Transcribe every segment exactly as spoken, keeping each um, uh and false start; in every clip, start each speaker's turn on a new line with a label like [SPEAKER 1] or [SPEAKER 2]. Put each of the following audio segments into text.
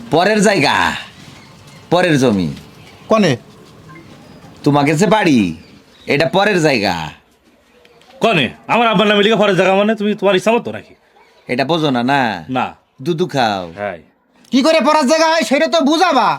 [SPEAKER 1] পরের জায়গা, পরের জমি।
[SPEAKER 2] কনে
[SPEAKER 1] তোমাকে যে বাড়ি, এটা পরের জায়গা।
[SPEAKER 3] কনে আমার আব্বার নামে লিখে পরের জায়গা মানে তুমি তোমার ইচ্ছা মতো নাকি?
[SPEAKER 1] এটা বোঝো না না?
[SPEAKER 3] না।
[SPEAKER 1] দুধু খাও।
[SPEAKER 3] হ্যাঁ,
[SPEAKER 2] কি করে পড়ার জায়গা হয় সেটা তো বুঝাবা।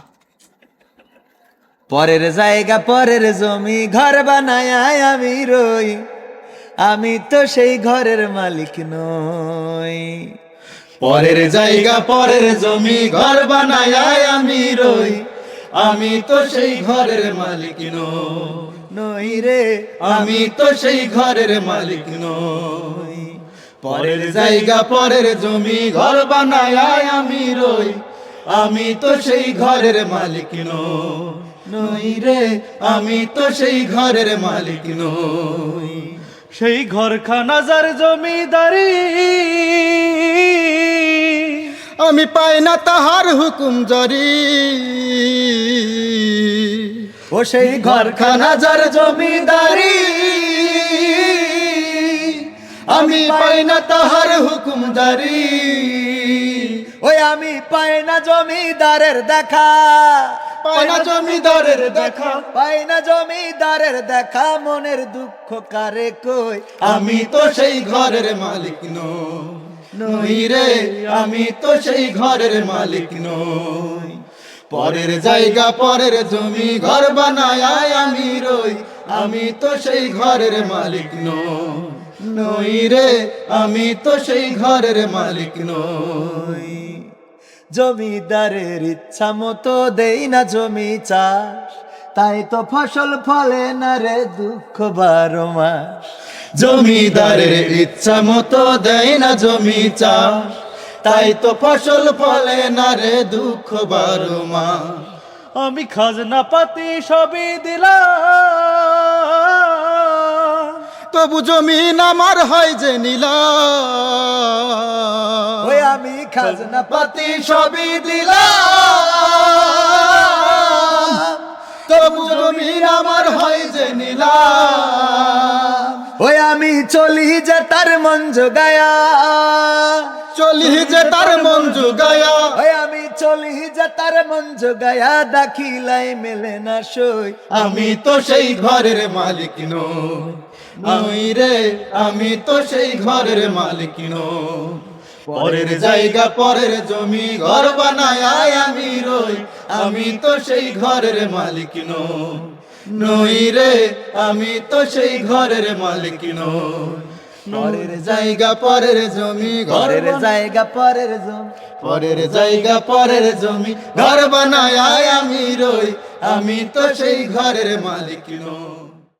[SPEAKER 1] পরের জায়গা পরের জমি, ঘর বানায় আমি রই, আমি তো সেই ঘরের মালিক নই।
[SPEAKER 2] পরের জায়গা পরের জমি, ঘর বানায় আমি রই, আমি তো সেই ঘরের মালিক নই।
[SPEAKER 1] নই রে,
[SPEAKER 2] আমি তো সেই ঘরের মালিক নই। পরের জায়গা পরের জমি, ঘর বানায় আমি রই, আমি তো সেই ঘরের মালিক নই।
[SPEAKER 1] নই রে,
[SPEAKER 2] আমি তো সেই ঘরের মালিক নই।
[SPEAKER 3] সেই ঘরখানা যার জমিদারি,
[SPEAKER 2] আমি পাই না তাহার হুকুম জারি।
[SPEAKER 1] ও সেই
[SPEAKER 2] ঘরখানা যার জমিদারি, আমি পাই না তাহার হুকুম জারি।
[SPEAKER 1] ওই আমি পাই না জমিদারের দেখা,
[SPEAKER 2] পাই না জমিদারের দেখা,
[SPEAKER 1] পাই না জমিদারের দেখা, মনের দুঃখ কারে কই।
[SPEAKER 2] আমি তো সেই ঘরের মালিক নই। নই রে, আমি তো সেই ঘরের মালিক নই। পরের জায়গা পরের জমি, ঘর বানায় আমি রই, আমি তো সেই ঘরের মালিক নই। নই রে, আমি তো সেই ঘরের মালিক নই।
[SPEAKER 1] জমিদারের ইচ্ছা মতো দেই না জমি চাষ, তাই তো ফসল ফলে না রে দুঃখ বারো মাস।
[SPEAKER 2] জমিদারের ইচ্ছা মতো দেয় না জমি চাষ, তাই তো ফসল ফলে না রে দুঃখ বারো মাস।
[SPEAKER 3] আমি খাজনা পাতি সবই দিলাম,
[SPEAKER 2] তবু জমিন আমার হয় যে নীলা।
[SPEAKER 1] ওই আমি খাজনা
[SPEAKER 2] পাতি সবই দিলাম, তবু জমিন আমার হয় যে নীলা।
[SPEAKER 1] ওই আমি চলি যে তার মন জোগায়া,
[SPEAKER 2] চলি যে তার মন জোগায়া।
[SPEAKER 1] ওই আমি চলি যে তার মন জোগায়া, দাখিলাই মেলে না সই।
[SPEAKER 2] আমি তো সেই ঘরের মালিক নই। নই রে, আমি তো সেই ঘরের মালিক নই। পরের জায়গা পরের জমি, ঘর বানায় আমি রই, আমি তো সেই ঘরের মালিক নই। নই রে, আমি তো সেই ঘরের মালিক নই। পরের জায়গা পরের জমি,
[SPEAKER 1] ঘরের
[SPEAKER 2] ঘরের
[SPEAKER 1] জায়গা পরের জমি,
[SPEAKER 2] পরের জায়গা পরের জমি, ঘর বানায় আমি রই, আমি তো সেই ঘরের মালিক নই।